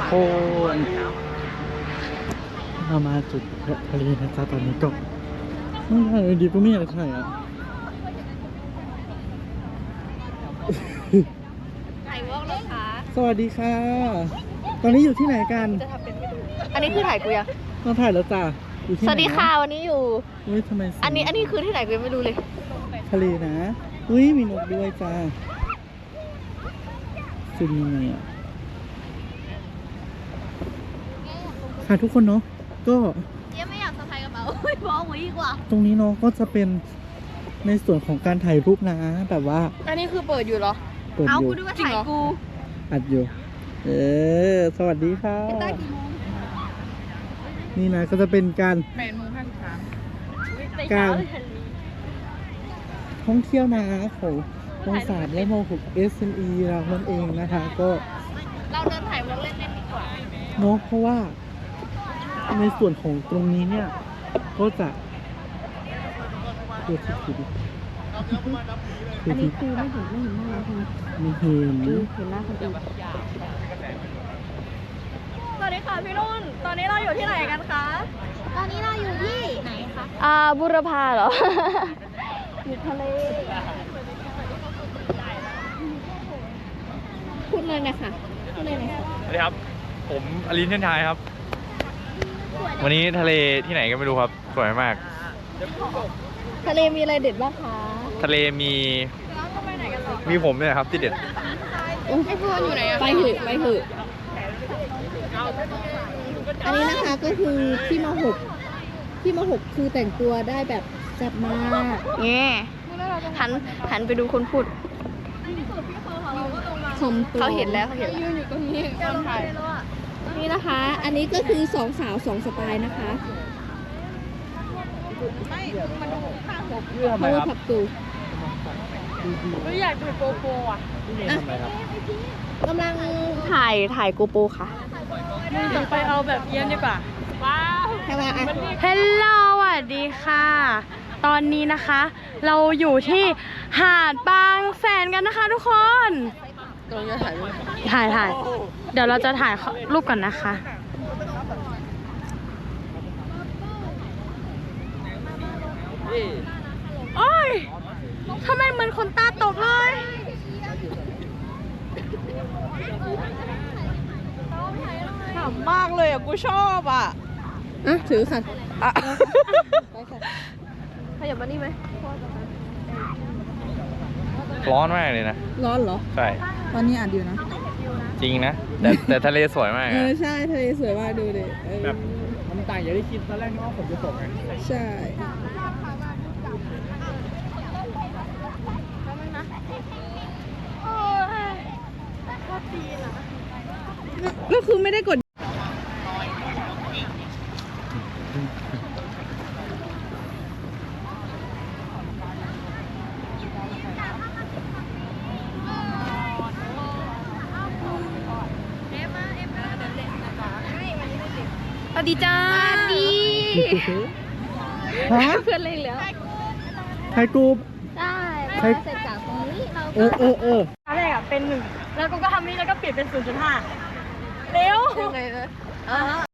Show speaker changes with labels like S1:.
S1: คนเรามาจุดทะเลนะจ๊ะตอนนี้ก็ไม่ถ่ายดีก็ไม่อยากถ่ายอ่ะ
S2: ถ่ายวอล์กเลยค่ะ
S1: สวัสดีค่ะ ตอนนี้อยู่ที่ไหนกัน
S2: จะทำเป็นไม่รู้อันนี้คือถ่ายกูยัง
S1: ต้องถ่ายแล้วจ้ะอยู่ที่
S2: ส
S1: ไหน
S2: วัสดีค่ะวันนี้อยู่
S1: อุ้ยทำไม
S2: อันนี้คือที่ไหนกูยังไม่รู้เลย
S1: ทะเลนะอุ้ยมีนกด้วยจ้าสุดยังไงอ่ะค่ะทุกคนเนาะก็
S2: เจ๊ไม่อยากสะพายกระเป๋าบอกไว้ดีกว่า
S1: ตรงนี้เนาะก็จะเป็นในส่วนของการถ่ายรูปนะแบบว่า
S2: อันนี้คือเปิดอยู่เหรอ
S1: เปิดอยู่
S2: ดูว่าถ่ายกู
S1: อัดอยู่สวัสดีค่ะ
S2: เป็นตากี่โมง
S1: นี่นะก็จะเป็นการ
S2: 8:53
S1: การท่องเที่ยวนะของม.3 และม.6 SME เรานั่นเองนะคะก็
S2: เราเดินถ่ายวอล์กเล่นๆดีกว่า
S1: เนาะเพราะว่าในส่วนของตรงนี้เนี่ยก็จะตัวทิศดิ
S2: อันนี้คือไม่เห็นหน้าเราใช่ไหม
S1: ไม่เห็น
S2: เห็นหน้าคนอื่นสวัสดีค่ะพี่รุ่น ตอนนี้เราอยู่ที่ไหนกันคะ ตอนนี้เราอยู่ที่ไหนคะบุรพาเหรอ อยู่ทะเล พูดเลยนะคะพูดเลยนะคะ
S3: สวัสดีครับ ผมอลินเชนชายครับ วันนี้ทะเลที่ไหนก็ไม่รู้ครับ สวยมาก
S2: ทะเลมีอะไรเด็ดบ้างคะ
S3: ทะเลมีผมเนี่ยครับที่เด็ด
S2: ไอ้เพื่อนอยู่ไหนอะไปเถอะไปเถอะอันนี้นะคะก็คือที่มาหกคือแต่งตัวได้แบบแซ่บมากแง่หันไปดูคนพูดเขาเห็นแล้วยืนอยู่ตรงนี้คนถ่ายนี่นะคะ อันนี้ก็คือ2 สาว 2 สไตล์นะคะเพราะว่าผักตูอยากดูโกโปรอ่ะกำลังถ่ายโกโปรค่ะจะไปเอาแบบเยี่ยมดีกว่าว้าวฮัลโหลสวัสดีค่ะ ตอนนี้นะคะ เราอยู่ที่หาดบางแสนกันนะคะทุกคนกำลังจะถ่ายรูปถ่ายเดี๋ยวเราจะถ่ายรูปก่อนนะคะโอ้ยทำไมเหมือนคนตาตกเลยขำมากเลยอ่ะกูชอบอ่ะถือค่ะไปค่ะขยับมานี่ไหม
S3: ร้อนมากเลยนะ
S4: ร้อนเหรอ
S3: ใช่
S4: ตอนนี้อ่านอยู่นะ
S3: จริงนะ แต่ทะเลสวยมากอะ
S4: ใช่ทะเลสวยมากดูดิ
S1: แบบมันต่างอย่างที่คิดตอนแรกนึกว่าฝนจะตกไง
S4: ใช่ ก็คือไม่ได้กด
S2: สวัสดีจ้าสวัสดี
S1: ฮะ
S2: เพื่อนเล่นแล้ว
S1: ถ่ายกรุ๊ป
S2: ได้เสร็จจากตรงนี้เรา
S1: เออ
S2: ตอนแรกอะเป็น1แล้วกูก็ทำนี้แล้วก็เปลี่ยนเป็น 0.5 เร็วยังไงนะ